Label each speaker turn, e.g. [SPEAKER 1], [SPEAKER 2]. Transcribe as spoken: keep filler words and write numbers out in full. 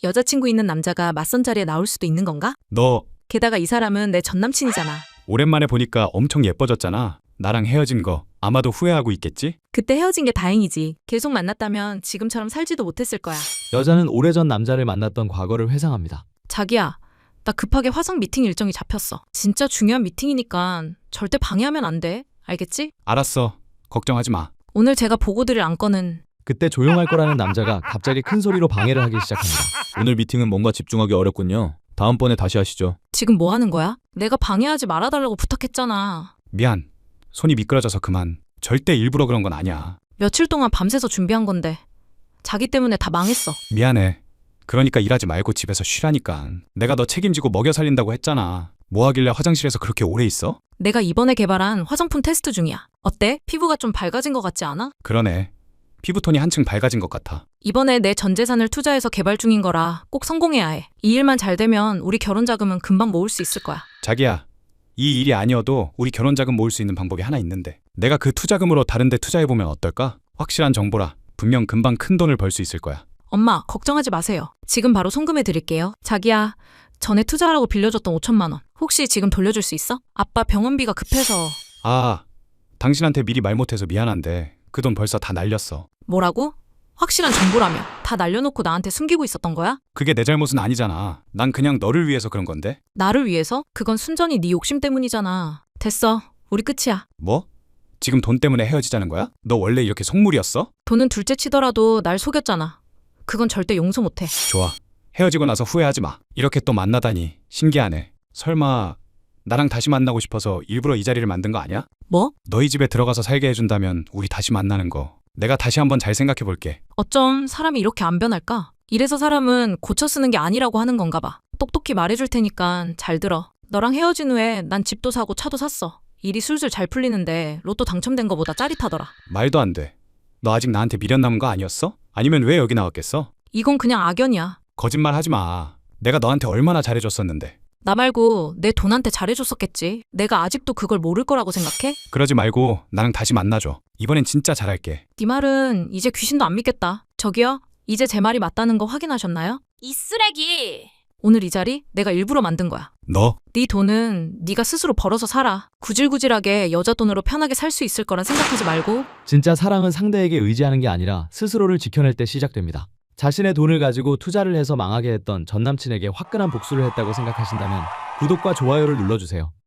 [SPEAKER 1] 여자친구 있는 남자가 맞선 자리에 나올 수도 있는 건가?
[SPEAKER 2] 너
[SPEAKER 1] 게다가 이 사람은 내 전남친이잖아.
[SPEAKER 2] 오랜만에 보니까 엄청 예뻐졌잖아. 나랑 헤어진 거 아마도 후회하고 있겠지?
[SPEAKER 1] 그때 헤어진 게 다행이지. 계속 만났다면 지금처럼 살지도 못했을 거야.
[SPEAKER 3] 여자는 오래전 남자를 만났던 과거를 회상합니다.
[SPEAKER 1] 자기야, 나 급하게 화성 미팅 일정이 잡혔어. 진짜 중요한 미팅이니까 절대 방해하면 안 돼. 알겠지?
[SPEAKER 2] 알았어. 걱정하지 마.
[SPEAKER 1] 오늘 제가 보고 드릴 안건은
[SPEAKER 3] 그때 조용할 거라는 남자가 갑자기 큰 소리로 방해를 하기 시작합니다.
[SPEAKER 4] 오늘 미팅은 뭔가 집중하기 어렵군요. 다음번에 다시 하시죠.
[SPEAKER 1] 지금 뭐 하는 거야? 내가 방해하지 말아달라고 부탁했잖아.
[SPEAKER 2] 미안. 손이 미끄러져서 그만. 절대 일부러 그런 건 아니야.
[SPEAKER 1] 며칠 동안 밤새서 준비한 건데 자기 때문에 다 망했어.
[SPEAKER 2] 미안해. 그러니까 일하지 말고 집에서 쉬라니까. 내가 너 책임지고 먹여 살린다고 했잖아. 뭐 하길래 화장실에서 그렇게 오래 있어?
[SPEAKER 1] 내가 이번에 개발한 화장품 테스트 중이야. 어때? 피부가 좀 밝아진 것 같지 않아?
[SPEAKER 2] 그러네. 피부톤이 한층 밝아진 것 같아.
[SPEAKER 1] 이번에 내 전 재산을 투자해서 개발 중인 거라 꼭 성공해야 해. 이 일만 잘 되면 우리 결혼 자금은 금방 모을 수 있을 거야.
[SPEAKER 2] 자기야, 이 일이 아니어도 우리 결혼 자금 모을 수 있는 방법이 하나 있는데 내가 그 투자금으로 다른 데 투자해보면 어떨까? 확실한 정보라 분명 금방 큰 돈을 벌 수 있을 거야.
[SPEAKER 1] 엄마, 걱정하지 마세요. 지금 바로 송금해 드릴게요. 자기야, 전에 투자하라고 빌려줬던 오천만 원 혹시 지금 돌려줄 수 있어? 아빠 병원비가 급해서.
[SPEAKER 2] 아, 당신한테 미리 말 못해서 미안한데 그 돈 벌써 다 날렸어.
[SPEAKER 1] 뭐라고? 확실한 정보라며 다 날려놓고 나한테 숨기고 있었던 거야?
[SPEAKER 2] 그게 내 잘못은 아니잖아. 난 그냥 너를 위해서 그런 건데.
[SPEAKER 1] 나를 위해서? 그건 순전히 네 욕심 때문이잖아. 됐어. 우리 끝이야.
[SPEAKER 2] 뭐? 지금 돈 때문에 헤어지자는 거야? 너 원래 이렇게 속물이었어?
[SPEAKER 1] 돈은 둘째 치더라도 날 속였잖아. 그건 절대 용서 못해.
[SPEAKER 2] 좋아. 헤어지고 나서 후회하지 마. 이렇게 또 만나다니 신기하네. 설마 나랑 다시 만나고 싶어서 일부러 이 자리를 만든 거 아니야?
[SPEAKER 1] 뭐?
[SPEAKER 2] 너희 집에 들어가서 살게 해준다면 우리 다시 만나는 거 내가 다시 한번 잘 생각해 볼게.
[SPEAKER 1] 어쩜 사람이 이렇게 안 변할까? 이래서 사람은 고쳐 쓰는 게 아니라고 하는 건가 봐. 똑똑히 말해줄 테니까 잘 들어. 너랑 헤어진 후에 난 집도 사고 차도 샀어. 일이 술술 잘 풀리는데 로또 당첨된 거보다 짜릿하더라.
[SPEAKER 2] 말도 안 돼. 너 아직 나한테 미련 남은 거 아니었어? 아니면 왜 여기 나왔겠어?
[SPEAKER 1] 이건 그냥 악연이야.
[SPEAKER 2] 거짓말 하지 마. 내가 너한테 얼마나 잘해줬었는데.
[SPEAKER 1] 나 말고 내 돈한테 잘해줬었겠지. 내가 아직도 그걸 모를 거라고 생각해?
[SPEAKER 2] 그러지 말고 나랑 다시 만나줘. 이번엔 진짜 잘할게.
[SPEAKER 1] 네 말은 이제 귀신도 안 믿겠다. 저기요, 이제 제 말이 맞다는 거 확인하셨나요?
[SPEAKER 5] 이 쓰레기!
[SPEAKER 1] 오늘 이 자리 내가 일부러 만든 거야.
[SPEAKER 2] 너
[SPEAKER 1] 네 돈은 네가 스스로 벌어서 살아. 구질구질하게 여자 돈으로 편하게 살 수 있을 거란 생각하지 말고.
[SPEAKER 3] 진짜 사랑은 상대에게 의지하는 게 아니라 스스로를 지켜낼 때 시작됩니다. 자신의 돈을 가지고 투자를 해서 망하게 했던 전남친에게 화끈한 복수를 했다고 생각하신다면 구독과 좋아요를 눌러주세요.